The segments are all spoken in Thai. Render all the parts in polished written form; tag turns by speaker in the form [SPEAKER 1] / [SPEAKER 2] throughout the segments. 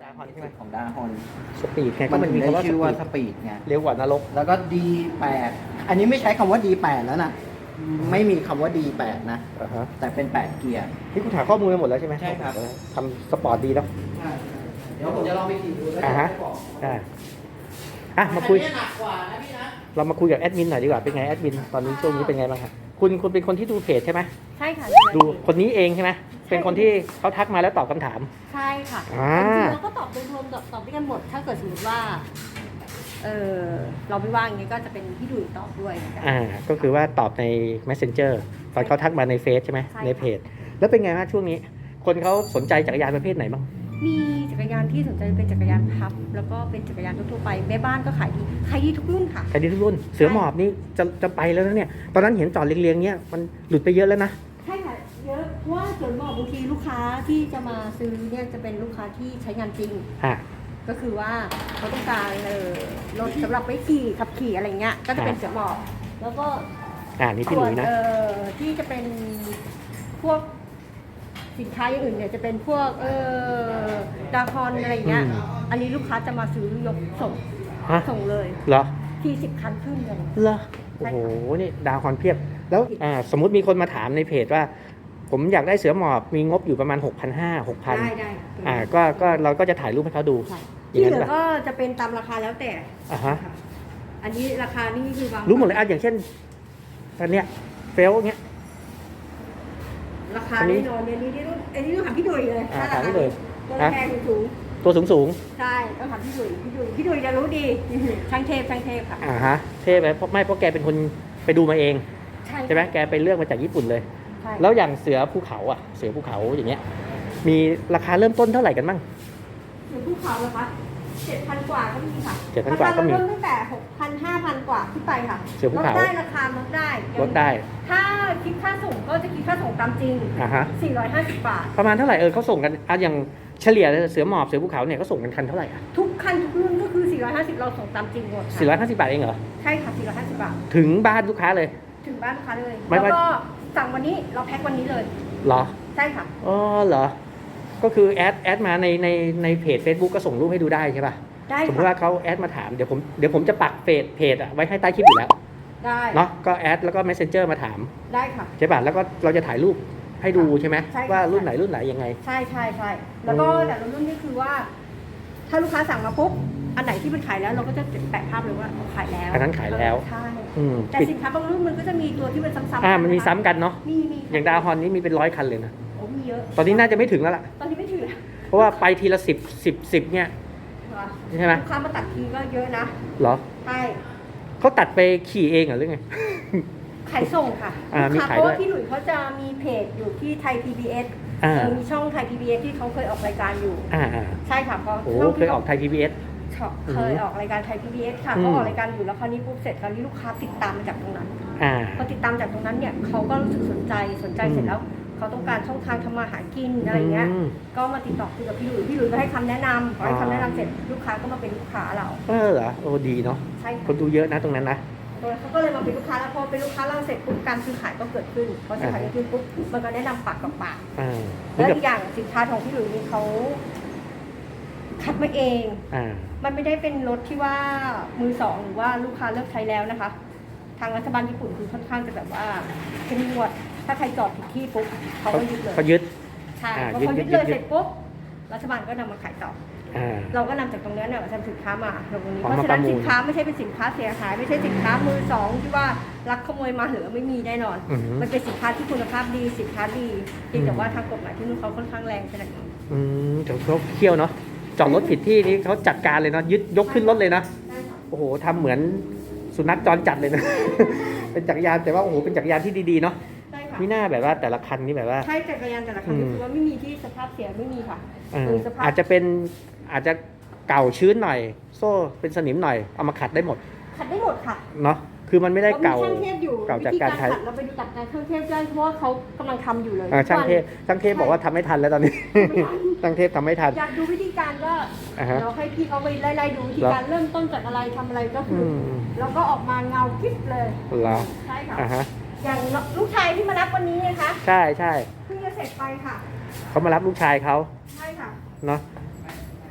[SPEAKER 1] าฮอนใช่ไหม
[SPEAKER 2] ของดาฮอน
[SPEAKER 1] สปีดไงก็
[SPEAKER 2] มัน
[SPEAKER 1] มัน
[SPEAKER 2] มี
[SPEAKER 1] มีคำว่า
[SPEAKER 2] ชื่อว่า
[SPEAKER 1] ส
[SPEAKER 2] ส
[SPEAKER 1] ปีด
[SPEAKER 2] ปีดไง
[SPEAKER 1] เร็วกว่านรก
[SPEAKER 2] แล้วก็ D8 อันนี้ไม่ใช้คำว่า D8 แล้วนะไม่มีคำว่า D8 นะ
[SPEAKER 1] อ่าฮะ
[SPEAKER 2] แต่เป็น8เกียร์
[SPEAKER 1] นี่คุณถามข้อมูลไปหมดแล้วใช่ไหม
[SPEAKER 2] ใช่ครับ
[SPEAKER 1] ทำสปอร์ตดีแล้ว
[SPEAKER 2] เดี๋ยวผมจะลองไปขี่ดูแล้ว
[SPEAKER 1] อ่าฮะ
[SPEAKER 2] จะบอก
[SPEAKER 1] ได้อ่ะมาคุย
[SPEAKER 2] อันนี้หนักกว่านะพี่นะ
[SPEAKER 1] เรามาคุยกับแอดมินหน่อยดีกว่าเป็นไงแอดมินตอนนี้ช่วงนี้เป็นไงบ้างครับคุณเป็นคนที่ดูเพจใช่ไหม
[SPEAKER 3] ใช่ค่ะ
[SPEAKER 1] ดูคนนี้เองใช่ไหมเป็นคนที่เขาทักมาแล้วตอบคำถาม
[SPEAKER 3] ใช่ค่ะ
[SPEAKER 1] อ่า
[SPEAKER 3] จริงๆเราก็ตอบโดยรวมตอบด้วยกันหมด ถ้าเกิดสมมติว่าเราไม่ว่างอย่างนี้ก็จะเป็นพี่ดุยตอบด้วยเหมือนกัน
[SPEAKER 1] ก็คือว่าตอบใน Messenger ตอนเขาทักมาในเฟซใช่ไหม
[SPEAKER 3] ใช่ค่ะ
[SPEAKER 1] ในเพจ แล้วเป็นไงบ้างช่วงนี้ คนเขาสนใจจักรยานประเภทไหนบ้าง
[SPEAKER 3] มีจักรยานที่สนใจเป็นจักรยานพับ แล้วก็เป็นจักรยานทั่วๆไปแม่บ้านก็ขายดีทุกรุ่นค่ะ
[SPEAKER 1] ใครดีทุกรุ่น เสือหมอบนี่จะไปแล้วนะเนี่ย ตอนนั้นเห็นจอดเรียงๆเนี่ยมันหลุดไปเยอะแล้วนะ
[SPEAKER 3] ใช่ค่ะเยอะเพราะว่าส่วนบอกบางทีลูกค้าที่จะมาซื้อเนี่ยจะเป็นลูกค้าที่ใช้งานจริง
[SPEAKER 1] อ่า
[SPEAKER 3] ก็คือว่าเขาต้องการรถสำหรับไปขับขี่อะไรเงี้ยก็จะเป็นเสือหมอบแล้วก็
[SPEAKER 1] นี่พี่หลุยนะ
[SPEAKER 3] ส่วนที่จะเป็นพวกสินค้าอย่างอื่นเนี่ยจะเป็นพวกดาคอนอะไรเงี้ย อันนี้ลูกค้าจะมาซื้อยกส่ง
[SPEAKER 1] ฮะ
[SPEAKER 3] ส่งเลย
[SPEAKER 1] เหรอ
[SPEAKER 3] ที่10 คันขึ้นเลย
[SPEAKER 1] เหรอ โอ้โห นี่ดาวคอนเพียบ แล้วสมมุติมีคนมาถามในเพจว่า ผมอยากได้เสือหมอบ มีงบอยู่ประมาณ 6,500 6,000
[SPEAKER 3] ได้
[SPEAKER 1] ก็เราก็จะถ่ายรูปให้เขาดู
[SPEAKER 3] ใช่
[SPEAKER 1] อย่าง
[SPEAKER 3] ที่
[SPEAKER 1] นั้
[SPEAKER 3] เห
[SPEAKER 1] น
[SPEAKER 3] ลือ
[SPEAKER 1] ป่ะ
[SPEAKER 3] ก็จะเป็นตามราคาแล้วแต่
[SPEAKER 1] อ่าฮะ
[SPEAKER 3] อันนี้ราคานี่คือบาง
[SPEAKER 1] รู้หมดเลยอย่างเช่นอันเนี้ยเฟลเงี้ย
[SPEAKER 3] ราคาแน่นอนเนี่ยนี่อันนี้ต้องถามพี่ดุยเลย
[SPEAKER 1] ถามพี่ดุย
[SPEAKER 3] ตัวแพงสูง
[SPEAKER 1] ตัวสูง
[SPEAKER 3] ใช่ต้องถามพี่ดุยจะรู้ดี ช่างเทพค่ะ
[SPEAKER 1] ฮะ เท่ไหมเพราะแกเป็นคนไปดูมาเอง
[SPEAKER 3] ใช่
[SPEAKER 1] ใช่ไหมแกไปเลือกมาจากญี่ปุ่นเลย
[SPEAKER 3] ใช่
[SPEAKER 1] แล้วอย่างเสือภูเขาเสือภูเขาอย่างเงี้ย มีราคาเริ่มต้นเท่าไหร่กันบ้าง
[SPEAKER 3] หรือภูเขาเหรอคะ7,000 กว่าก็มีค่ะ
[SPEAKER 1] 7,000 กว่าก็มี
[SPEAKER 3] รคเริ่ตั้งแต่ 6,000 5,000 กว่าขึ้นไปค่ะ
[SPEAKER 1] เสือภูเขา
[SPEAKER 3] ลดได้ราคาลดได้
[SPEAKER 1] ลดได้
[SPEAKER 3] ถ้าคิดค่าส่งก็จะคิดค่าส่งตามจริง
[SPEAKER 1] ฮะ
[SPEAKER 3] 450 บาท
[SPEAKER 1] ประมาณเท่าไหร่เขาส่งกันอย่างเฉลี่ยเสือหมอบเสือภูเขาเนี่ยเขาส่งกันคันเท่าไหร่อ่ะ
[SPEAKER 3] ทุกคันทุกรุ่นก็คือ 450 เราส่งตามจริงหมดค่ะ
[SPEAKER 1] 450 บาทเองเหรอ
[SPEAKER 3] ใช่ค่ะ 450 บาท
[SPEAKER 1] ถึงบ้านลูกค้าเลย
[SPEAKER 3] ถึงบ้านลูกค้าเลย
[SPEAKER 1] ไม่
[SPEAKER 3] แล้ว
[SPEAKER 1] ว่า
[SPEAKER 3] ก็สั่งวันนี้เราแพ็ควันนี้เลย
[SPEAKER 1] เหรอ
[SPEAKER 3] ใช่ค่ะ
[SPEAKER 1] อ๋อเหรอ ก็คือแอดมาในเพจ Facebook ก็ส่งรูปให้ดูได้ใช่ป่ะ
[SPEAKER 3] ได้
[SPEAKER 1] สมมติ
[SPEAKER 3] ค่ะ
[SPEAKER 1] ว่าเขาแอดมาถามเดี๋ยวผมจะปักเพจไว้ให้ใต้คลิปอยู่แล้ว
[SPEAKER 3] ได้
[SPEAKER 1] เนาะก็แอดแล้วก็ Messenger มาถาม
[SPEAKER 3] ได้ค่ะ
[SPEAKER 1] ใช่ป่ะแล้วก็เราจะถ่ายรูปให้ดูใช่ไหม
[SPEAKER 3] ใช่ค่ะ
[SPEAKER 1] ว่ารุ่นไหนยังไง
[SPEAKER 3] ใช่แล้วก็แต่ละรุ่นนี่คือว่า ถ้าลูกค้าสั่งมาปุ๊บอันไหนที่มันขายแล้วเราก็จะแปะภาพเลยว่าขายแล้ว
[SPEAKER 1] อันนั้นขายแล้ว
[SPEAKER 3] ใช่
[SPEAKER 1] อืม
[SPEAKER 3] แต่
[SPEAKER 1] ปิด
[SPEAKER 3] สินค้าบางรุ่นมันก็จะมีตัวที่มันซ้ำๆ
[SPEAKER 1] มันมีซ้ำกันเนาะ
[SPEAKER 3] มี
[SPEAKER 1] อย่างดาวฮอนนี่มีเป็น100 คันเลยนะ
[SPEAKER 3] โอ้มีเยอะ
[SPEAKER 1] ตอนนี้น่าจะไม่ถึงแล้วล่ะ
[SPEAKER 3] ตอนนี้ไม่ถึง
[SPEAKER 1] เพราะว่าไปทีละ10เนี่ย ใช่ไหม
[SPEAKER 3] ลูกค้ามาตัดทีก็เยอะนะ
[SPEAKER 1] เหรอ
[SPEAKER 3] ใช่
[SPEAKER 1] เขาตัดไปขี่เองเหรอหรือไง
[SPEAKER 3] ขายส่งค่ะ
[SPEAKER 1] มี
[SPEAKER 3] ลูกค้า
[SPEAKER 1] ขาย
[SPEAKER 3] เพราะ
[SPEAKER 1] ด้วย
[SPEAKER 3] ว่าพี่หลุยเขาจะมีเพจอยู่ที่ไทย PBS มีช่องไทย PBS ที่เขาเคยออกรายการอยู่
[SPEAKER 1] อ่า
[SPEAKER 3] ใช่ค่ะเพราะ
[SPEAKER 1] โอ้
[SPEAKER 3] ช่ง
[SPEAKER 1] เค
[SPEAKER 3] ที่
[SPEAKER 1] ยออกไทย PBS
[SPEAKER 3] เคยออกรายการไทย PBS ค่ะ
[SPEAKER 1] อืม
[SPEAKER 3] เขาออกรายการอยู่แล้วคราวนี้ปุ๊บเสร็จคราวนี้ลูกค้าติดตามมาจากตรงนั้น
[SPEAKER 1] อ่า
[SPEAKER 3] พอติดตามจากตรงนั้นเนี่ยเขาก็รู้สึกสนใจเสร็จแล้วเขาต้องการช่องทางทำมาหากินอะไรเงี้ย ก็มาติดต่อคุยกับพี่หลุยก็ให้คำแนะนำพอให้คำแนะนำเสร็จลูกค้าก็มาเป็นลูกค้าเรา
[SPEAKER 1] เหรอโอ้ดีเนาะ
[SPEAKER 3] ใช่ค่ะ
[SPEAKER 1] คนดูเยอะนะตรงนั้นนะ
[SPEAKER 3] โดยเขาก็เลยมาเป็นลูกค้าแล้วพอเป็นลูกค้าเราเสร็จปุ๊บการซื้อขายก็เกิดขึ้นพอซื้อขายเกิดขึ้นปุ๊บมันก็แนะนำปากกับปาก
[SPEAKER 1] อ่า
[SPEAKER 3] แล้วอีกอย่างสินค้าของพี่หลุยนี่เขาคัดมาเอง
[SPEAKER 1] อ่า
[SPEAKER 3] มันไม่ได้เป็นรถที่ว่ามือสองหรือว่าลูกค้าเลิกใช้แล้วนะคะ ทางรัฐบาลญี่ปุ่นคือค่อนข้างจะแบบว่าเข้มงวดถ้าใครจอดผิดที่ปุ๊บเขาก็ยึดเลย
[SPEAKER 1] เขายึด
[SPEAKER 3] ใช่
[SPEAKER 1] อ่า
[SPEAKER 3] พอเขา
[SPEAKER 1] ยึ
[SPEAKER 3] ยึ
[SPEAKER 1] ด
[SPEAKER 3] ดเลย
[SPEAKER 1] ยึด
[SPEAKER 3] เสร็จปุ๊บรัฐบาลก็นำมาขายต่อ
[SPEAKER 1] อ่า
[SPEAKER 3] เราก็นำจากตรงนั้นเนี่ยมาทำสินค้ามาลงตรงนี้
[SPEAKER 1] เอา
[SPEAKER 3] เพ
[SPEAKER 1] มา
[SPEAKER 3] ราะฉะนั้น
[SPEAKER 1] ประมูล
[SPEAKER 3] สินค้าไม่ใช่เป็นสินค้าเสียหาย ไม่ใช่สินค้ามือสองที่ว่าลักขโมยมาเหลือไม่มีแน่นอน
[SPEAKER 1] อืม
[SPEAKER 3] มันเป็นสินค้าที่คุณภาพดีสินค้าดีเพียงแต่ว่าทางกฎหมายที่นู่นเขาค่อนข้างแรงขนาดนี้
[SPEAKER 1] แต่เขาเขี้ยวเนาะจอดรถผิดที่นี่เขาจัดการเลยเนาะยึดยกขึ้นรถเลยนะ
[SPEAKER 3] ใช่ค่ะ
[SPEAKER 1] โอ้โหทำเหมือนสุนัขจรจัดเลยนะ เป็นจักรยานแต่ว่าโอ้โหเป็นจักรยานที่ดีๆเนาะ
[SPEAKER 3] ใช่ค่ะ
[SPEAKER 1] มีหน้าแบบว่าแต่ละคันนี่แบบว่า
[SPEAKER 3] ใช่จักรยานแต่ละคันนี่คือว่าไม่มีที่สภาพเสียไม่มีค่ะ คือสภาพ
[SPEAKER 1] อาจจะเก่าชื้นหน่อย โซ่เป็นสนิมหน่อยเอามาขัดได้หมด
[SPEAKER 3] ขัดได้หมดค่ะ
[SPEAKER 1] เนาะคือมันไม่ได้
[SPEAKER 3] เรามี
[SPEAKER 1] เก่า
[SPEAKER 3] ช่างเทพอยู่
[SPEAKER 1] เก่า
[SPEAKER 3] วิ
[SPEAKER 1] จาก
[SPEAKER 3] ธี
[SPEAKER 1] กา
[SPEAKER 3] การ ร
[SPEAKER 1] ใช้
[SPEAKER 3] ขัดเราไปดูจากการช่างเทพได้เพราะว่าเขากำลังทำอยู่เลย
[SPEAKER 1] ช่างเทพ
[SPEAKER 3] ทุกวัน
[SPEAKER 1] ช่างเทพบอกว่าทำไม่ทันแล้วตอนนี้ ช่างเทพทำไม่ทัน
[SPEAKER 3] อยากดูวิธีการก็
[SPEAKER 1] อ่าฮะ
[SPEAKER 3] เราให้พี่เขาไปไล่ๆดูวิธีการเริ่มต้นจากอะไรทำอะไรก็คืออ
[SPEAKER 1] ม
[SPEAKER 3] แล้วก็ออกมาเงากิ๊บเลย
[SPEAKER 1] เหรอ
[SPEAKER 3] ใช่ค่ะ
[SPEAKER 1] อ่าฮะ
[SPEAKER 3] อย่างลูกชายที่มารับวันนี้นะคะ
[SPEAKER 1] ใช่ใช่
[SPEAKER 3] เพิ่งจะเสร็จไปค่ะ
[SPEAKER 1] เขามารับลูกชายเขา
[SPEAKER 3] ใช่ค่ะ
[SPEAKER 1] เนาะ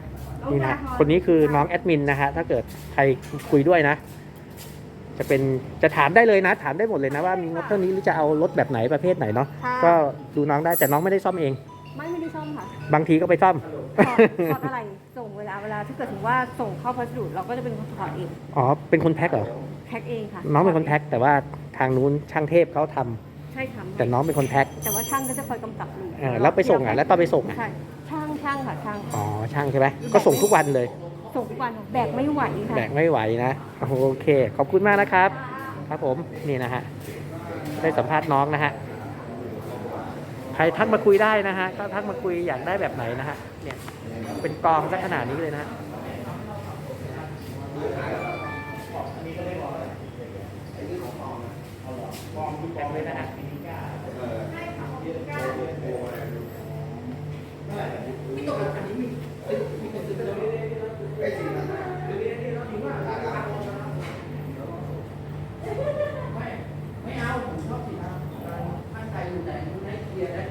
[SPEAKER 1] นี่นะคนนี้คือน้องแอดมินนะฮะถ้าเกิดใครคุยด้วยนะ จะถามได้เลยนะ ถามได้หมดเลยนะว่ามีงบเท่านี้หรือจะเอารถแบบไหนประเภทไหนเนาะ
[SPEAKER 3] ค่ะ
[SPEAKER 1] ก็ดูน้องได้แต่น้องไม่ได้ซ่อมเอง
[SPEAKER 3] ไม่ได้ซ่อมค่ะ
[SPEAKER 1] บางทีก็ไปซ่อม
[SPEAKER 3] ถอดอะไรส่งเวลาถ้าเกิดถึงว่าส่งเข้าพัสดุเราก็จะเป็นคนถอดเอง
[SPEAKER 1] อ๋อเป็นคนแพ็คเหรอ
[SPEAKER 3] แพ็คเองค่ะ
[SPEAKER 1] น้องเป็นคนแพ็คแต่ว่าทางนู้นช่างเทพเขาทำ
[SPEAKER 3] ใช่ค่ะ
[SPEAKER 1] แต่น้องเป็นคนแพ็ค
[SPEAKER 3] แต่ว่าช่างก็จะคอยกำกับดู
[SPEAKER 1] แล้วไปส่งแล้วตอนไปส่ง
[SPEAKER 3] ใช่ช่างค่ะช่าง
[SPEAKER 1] อ๋อช่างใช่ไหมก็ส่งทุกวันเลย
[SPEAKER 3] ส่งทุกวันแบกไม่ไหวค่ะ
[SPEAKER 1] แบกไม่ไหวนะโอเค ขอบคุณมากนะครับ ครับผมนี่นะฮะได้สัมภาษณ์น้องนะฮะใครทักมาคุยได้นะฮะก็ทักมาคุยอยากได้แบบไหนนะฮะเนี่ยเป็นกองสักขนาดนี้เลยนะฮะแต่งเลยนะฮะไม่เอาผมชอบสีดำมั่นใจอยู่แต่ให้เคลียร์ได้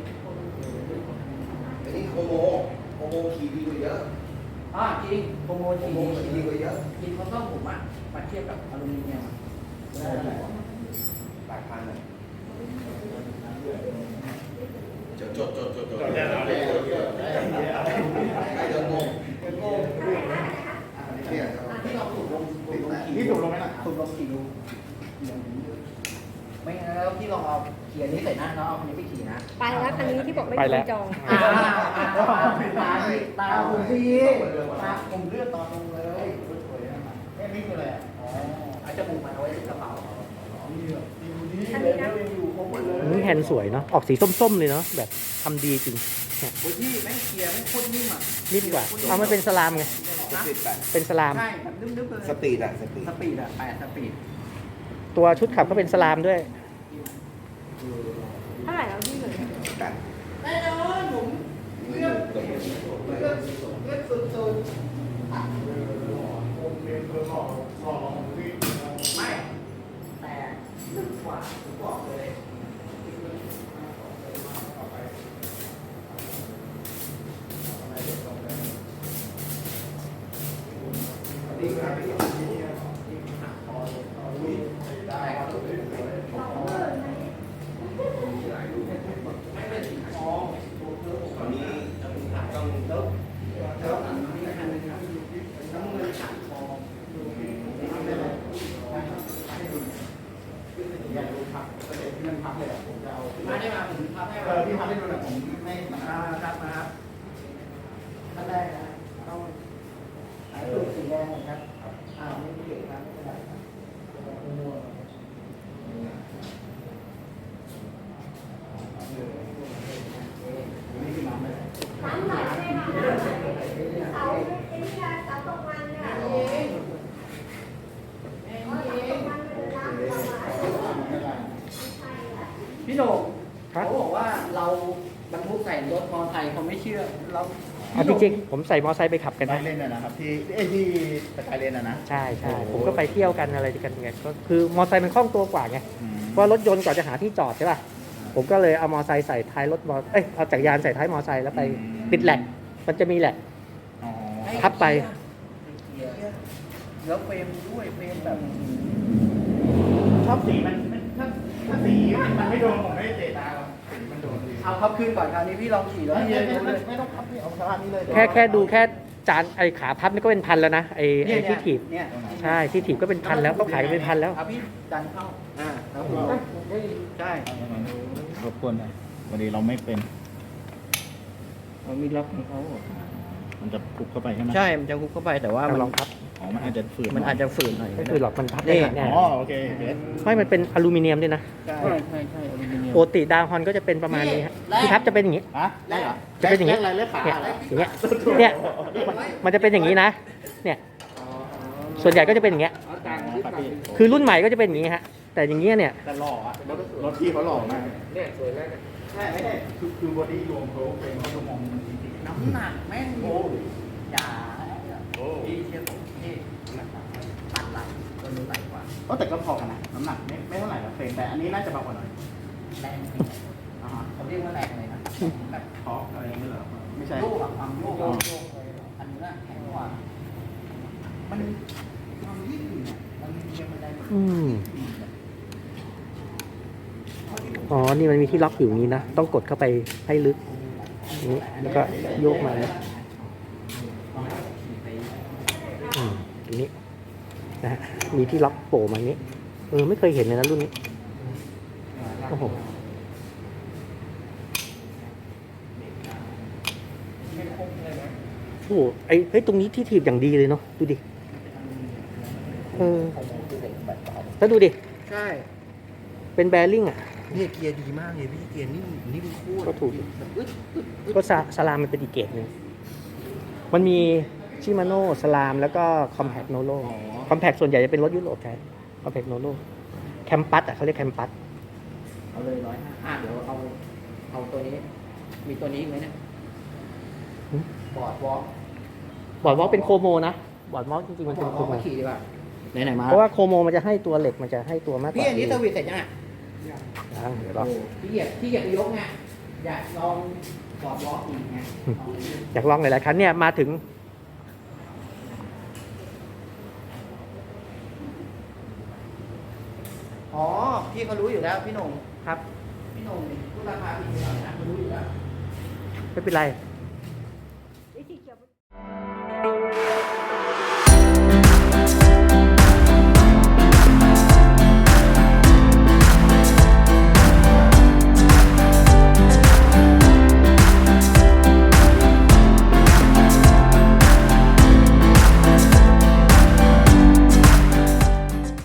[SPEAKER 4] อันนี้โคโมขี่ดีกว่าเยอะ
[SPEAKER 1] จริงโปรโมท
[SPEAKER 4] โคโมขี่ดีกว่าเยอะ
[SPEAKER 1] กินเขาต้องผมอ่ะมาเทียบกับอลูมิเนียมได้เท่าไหร่
[SPEAKER 4] หลายพันเลยจดได้แล้วเลยเดินงงเนี่ย
[SPEAKER 2] ที่เราถูกลง
[SPEAKER 4] นี่ถูกลงไหมล่ะ
[SPEAKER 2] ถูกลงกี่รูไม่งั้นแล้วพี่ลองเอาเขียนนี้ใส่หน้าแล้วเอาคันนี้ไปขี่นะ
[SPEAKER 3] ไปแล้วคันนี้ที่บอกไม่
[SPEAKER 1] ไป
[SPEAKER 3] มี
[SPEAKER 1] แล้ว
[SPEAKER 3] คนจอง
[SPEAKER 2] ตาผมดีตาผมเลือดตอนลงเลยนี่คืออะไรอ๋ออาจจะบุกมาเอาไว้ในกระเป๋า
[SPEAKER 3] อันนี้นะ
[SPEAKER 1] นี่แฮนด์สวยเนาะออกสีส้มๆเลยเนาะแบบทำดีจริงเนี่ย
[SPEAKER 2] โอ้ยพี่แม่งเคลียร์แม่งโคตรนิ่มอ่ะ
[SPEAKER 1] นิ่มกว่าเอามันเป็นสลามไง
[SPEAKER 4] สปีดแปด
[SPEAKER 1] เป็นสลาม
[SPEAKER 2] ใช่แบบนึบๆเลย
[SPEAKER 4] สปีดอะสปีด
[SPEAKER 2] สปีดอ่ะ8สปีด
[SPEAKER 1] ตัวชุดขับก็เป็นสลามด้วย
[SPEAKER 3] เท่าไหร่แล้วพี่เลย
[SPEAKER 4] กัน
[SPEAKER 2] แน่นอนผมเลือกสุดๆไม่แต่ลึกกว่าผมบอกเลย
[SPEAKER 4] ตอนนี้ต้อง
[SPEAKER 2] มาได้มาผมพับให้พี่พับให้ดูหน่อยผมไม่ครับนะครับท่านแรกนะต้องสายสูตรสีแดงนะครับไม่เกี่ยวครับไม่เป็นไรครับนี่คือน้ำเลย
[SPEAKER 3] น้ำไหลเลยค่ะเสาไอ้นี่ค่ะเสาตกมันค่ะตกมันเลยน้ำ
[SPEAKER 2] พี่โหน่ง
[SPEAKER 1] ครับ
[SPEAKER 2] เขาบอกว่าเราบรรทุกใส่รถมอเตอร์ไซค์เขาไม่เชื่อเรา
[SPEAKER 1] เอาจริงๆผมใส่มอไซค์ไปขับกัน
[SPEAKER 5] ไป
[SPEAKER 1] นะ
[SPEAKER 5] เล่นน่ะนะครับที่สกายเลนน่ะนะ
[SPEAKER 1] ใช่ใช่ผมก็ไปเที่ยวกันอะไรกันไงก็คือมอไซค์มันคล่องตัวกว่าไง
[SPEAKER 5] อืม
[SPEAKER 1] เพราะรถยนต์กว่าจะหาที่จอดใช่ป่ะผมก็เลยเอามอไซค์ใส่ท้ายรถเอาจักรยานใส่ท้ายมอไซค์แล้วไปติดแหลกมันจะมีแหลก
[SPEAKER 5] อ๋อ
[SPEAKER 1] ทับไป
[SPEAKER 2] แล้วเฟรมด้วยเฟรมแบบ
[SPEAKER 5] ชอบสีมันถ้าสีมันไม่โดนผมไม่เตะตาหรอกสีมันโดนดี
[SPEAKER 2] เอาพับขึ้นก่อนคราวนี้พี่ลองขี่แล้วพี่จะรู้เลย
[SPEAKER 5] ไม่ต้องพับนี่เอาสภาพนี้เลย
[SPEAKER 1] แค่ดูแค่จานไอ้ขาพับนี่ก็เป็นพันแล้วนะไอ้ที่ถีบ
[SPEAKER 2] เนี่ย
[SPEAKER 1] ใช่ที่ถีบก็เป็นพันแล้วเขาขายกันเป็นพันแล้ว
[SPEAKER 2] เอาพี่ดันเข้าแล้วผมใช่
[SPEAKER 5] รบกวนหน่อยวันนี้เราไม่เป็น
[SPEAKER 2] มันมีล็อกของเขา
[SPEAKER 5] มันจะปุกเข้าไปใช่ไหม
[SPEAKER 2] ใช่มันจะคุกเข้าไปแต่ว่ามัน
[SPEAKER 1] ลองพับ
[SPEAKER 5] อ๋อมันอาจจะฝืน
[SPEAKER 2] มันอาจจะฝืนหน่อย
[SPEAKER 1] ก็คือหลอดมันพับได้
[SPEAKER 2] นี่
[SPEAKER 1] แน่
[SPEAKER 5] อ๋อโอเคเบส
[SPEAKER 1] ไม่มันเป็นอลูมิเนียมด้วยนะ
[SPEAKER 2] ใช่ใช่อลูมิเนียม
[SPEAKER 1] ปกติดาวฮอนก็จะเป็นประมาณนี้ฮะที่พับจะเป็นอย่างนี้
[SPEAKER 5] ฮะได้เหรอ
[SPEAKER 1] จะเป็นอย่างนี้
[SPEAKER 5] อะไรเลือกขา
[SPEAKER 1] เนี่ย
[SPEAKER 5] อะไร
[SPEAKER 1] อย่างเงี้ยเนี่ยมันจะเป็นอย่างนี้นะ เนี่ยส่วนใหญ่ก็จะเป็นอย่างเงี้ย
[SPEAKER 5] ครับพี่
[SPEAKER 1] คือรุ่นใหม่ก็จะเป็นอย่างนี้ฮะแต่อย่างเงี้ยเนี่ย
[SPEAKER 5] แต่หล่ออะรถพี่เขาหล่อมากเนี่ยสวยแล้วใช่ไม่ใช่คือบอดี้รวมเขาเป็นเขาจะมองมันจริงๆ
[SPEAKER 2] น้ำหนักแม่งโอ้อย่าพี่เชื่อผมพี่ตัดไหลตัวนู้นไหลกว่า
[SPEAKER 5] ก็แต่ก็พอกันนะน้ำหนักไม่เท่าไหร่หรอกเฟรมแต่อันนี้น่าจะเบากว่าหน่อย
[SPEAKER 2] แรง
[SPEAKER 5] อ่าฮะ
[SPEAKER 2] เขาเรียกว่าแรงอะไรนะแบบ
[SPEAKER 5] ทอร์กอะไรอย่างเงี้ยเหรอไม่ใช่
[SPEAKER 2] โยกอะความโยกเลยอันนี้น่ะแข็งมันยืดหยุ่นอ่ะมันยังบันไดมัน
[SPEAKER 1] อืมอ๋อ นี่มันมีที่ล็อกอยู่นี้นะ ต้องกดเข้าไปให้ลึกนี้แล้วก็โยกมานะตรงนี้นะฮะมีที่ล็อกโผล่มาอย่างนี้ ไม่เคยเห็นเลยนะรุ่นนี้ โอ้โหโอ้โหเฮ้ย ตรงนี้ที่ถีบอย่างดีเลยเนาะ ดูดิ แล้วดูดิ
[SPEAKER 2] ใช่
[SPEAKER 1] เป็นแบริ่งอ่ะ
[SPEAKER 2] เนี่ยเกียร์ดีมากเลยพี่เกียร์นิ่มโคตร
[SPEAKER 1] ก็ถูก
[SPEAKER 2] แบบอึดอึดอึด
[SPEAKER 1] ก็สลามมันเป็นอีกเกรดหนึงมันมีชิมาโน่สลามแล้วก็คอมแพคโนโลคอมแพคส่วนใหญ่จะเป็นรถยุโรปใช้คอมแพคโนโลแคมปัสอ่ะเขาเรียกแคมปัส
[SPEAKER 2] เอาเลย105เดี๋ยวเอาตัวนี้ มีตัวนี้อีกไหมเนี่ยบอร์ดวอล์ก
[SPEAKER 1] บอร์ดวอล์กเป็นโคโมนะ บอร์ดวอล์กจริงๆมันเป็นโคโม
[SPEAKER 2] มาขี่ดีกว่าไหนๆมา
[SPEAKER 1] เพราะว่าโคโมมันจะให้ตัวเหล็กมันจะให้ตัวมากกว่า
[SPEAKER 2] พี่อันนี้เซอร์วิสเสร็จยังไง
[SPEAKER 1] เดี๋ยวรอ
[SPEAKER 2] พี่เหยียบไปยกไงอยากลองบอร์ดวอล์กอีกไง
[SPEAKER 1] อยากลองหลายๆคันเนี่ยมาถึง
[SPEAKER 2] อ๋อพี่เขารู้อยู่แล้วพี่หนุ่ม
[SPEAKER 1] ครับ
[SPEAKER 2] พี่หนุ่มพูดราคาผิดไปหน่อยนะเขารู้อยู่แล้ว
[SPEAKER 1] ไม่เป็นไร